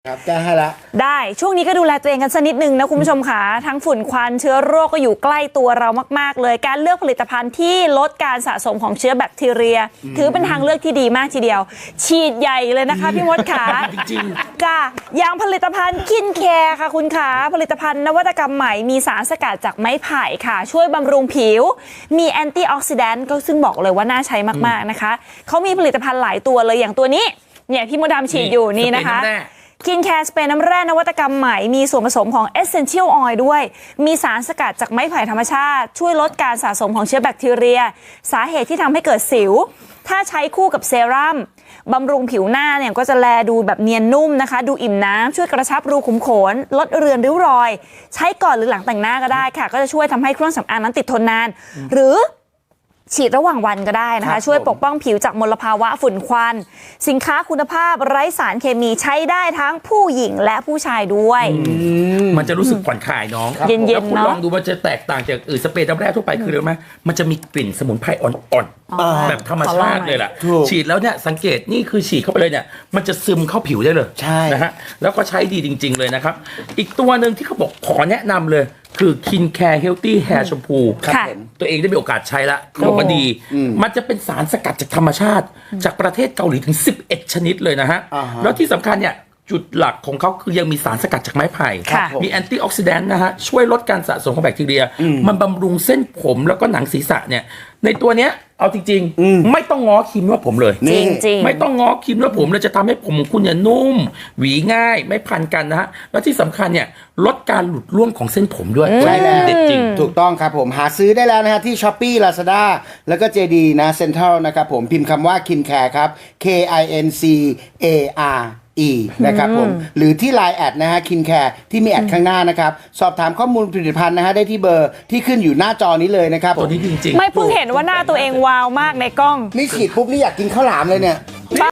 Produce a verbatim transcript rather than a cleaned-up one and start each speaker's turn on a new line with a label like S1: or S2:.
S1: ครับแก้ให้ละ
S2: ได้ช่วงนี้ก็ดูแลตัวเองกันสักนิดนึงนะคุณผู้ชมค่ะทั้งฝุ่นควันเชื้อโรคก็อยู่ใกล้ตัวเรามากๆเลยการเลือกผลิตภัณฑ์ที่ลดการสะสมของเชื้อแบคทีเรียถือเป็นทางเลือกที่ดีมากทีเดียวฉีดใหญ่เลยนะคะพี่มดขาจริงค่ะอย่างผลิตภัณฑ์คินแคร์ค่ะคุณขาผลิตภัณฑ์นวัตกรรมใหม่มีสารสกัดจากไม้ไผ่ค่ะช่วยบำรุงผิวมีแอนตี้ออกซิแดนต์ก็ซึ่งบอกเลยว่าน่าใช้มากๆนะคะเขามีผลิตภัณฑ์หลายตัวเลยอย่างตัวนี้เนี่ยพี่มดดำฉีดอยู่นี่นะคะคินแคร์สเปรย์น้ำแร่นวัตกรรมใหม่มีส่วนผสมของ Essential Oil ด้วยมีสารสกัดจากไม้ไผ่ธรรมชาติช่วยลดการสะสมของเชื้อแบคทีเรียสาเหตุที่ทำให้เกิดสิวถ้าใช้คู่กับเซรั่มบำรุงผิวหน้าเนี่ยก็จะแลดูแบบเนียนนุ่มนะคะดูอิ่มน้ำช่วยกระชับรูขุมขนลดเรือนริ้วรอยใช้ก่อนหรือหลังแต่งหน้าก็ได้ค่ะก็จะช่วยทำให้เครื่องสำอางนั้นติดทนนานหรือฉีดระหว่างวันก็ได้นะคะช่วยปกป้องผิวจากมลภาวะฝุ่นควันสินค้าคุณภาพไร้สารเคมีใช้ได้ทั้งผู้หญิงและผู้ชายด้วย
S3: มันจะรู้สึกผ่อนคลายน้อง
S2: เย็นๆ
S3: แล้วคุณ
S2: เนาะ
S3: ลองดูมันจะแตกต่างจากอื่นสเปรย์น้ำแร่ทั่วไปคืออะไรรู้ไหมมันจะมีกลิ่นสมุนไพรอ่อนๆแบบธรรมชาติเลยล่ะฉีดแล้วเนี่ยสังเกตนี่คือฉีดเข้าไปเลยเนี่ยมันจะซึมเข้าผิวได้เลยนะฮะแล้วก็ใช้ดีจริงๆเลยนะครับอีกตัวหนึ่งที่เขาบอกขอแนะนำเลยคือคินแคร์เฮลตี้แฮร์แชมพูตัวเองได้มีโอกาสใช้ละเขาบอกว่าดีมันจะเป็นสารสกัดจากธรรมชาติจากประเทศเกาหลีถึงสิบเอ็ดชนิดเลยนะฮะแล้วที่สำคัญเนี่ยจุดหลักของเขาคือยังมีสารสกัดจากไม้ไผ่มีแอนตี้ออกซิแดนต์นะฮะช่วยลดการสะสมของแบคทีเรียมันบำรุงเส้นผมแล้วก็หนังศีรษะเนี่ยในตัวเนี้ยเอาจริงๆไม่ต้องง้อครีมนวดผมเลย
S2: จริงๆ
S3: ไม่ต้องง้อครีมนวดผมเลยจะทำให้ผมของคุณเนี่ยนุ่มหวีง่ายไม่พันกันนะฮะแล้วที่สำคัญเนี่ยลดการหลุดร่วงของเส้นผมด้วย
S1: ใช่แล้ว
S3: เด็ดจริง
S1: ถูกต้องครับผมหาซื้อได้แล้วนะฮะที่ Shopee Lazada แล้วก็ เจ ดี นะ Central นะครับผมพิมพ์คำว่า Kincare ครับ K I N C A R E นะครับผมหรือที่ ไลน์ แอดนะฮะ Kincare ที่มีแอดข้างหน้านะครับสอบถามข้อมูลผลิตภัณฑ์นะฮะได้ที่เบอร์ที่ขึ้นอยู่หน้าจอนี้เลยนะครับ
S3: ตัวนี้จริงๆ
S2: ไม่เพิ่งเห็นว่าหน้าตัวเองวาวมากในกล้อง
S1: นี่ฉีดปุ๊บนี่อยากกินข้าวหลามเลยเนี่ย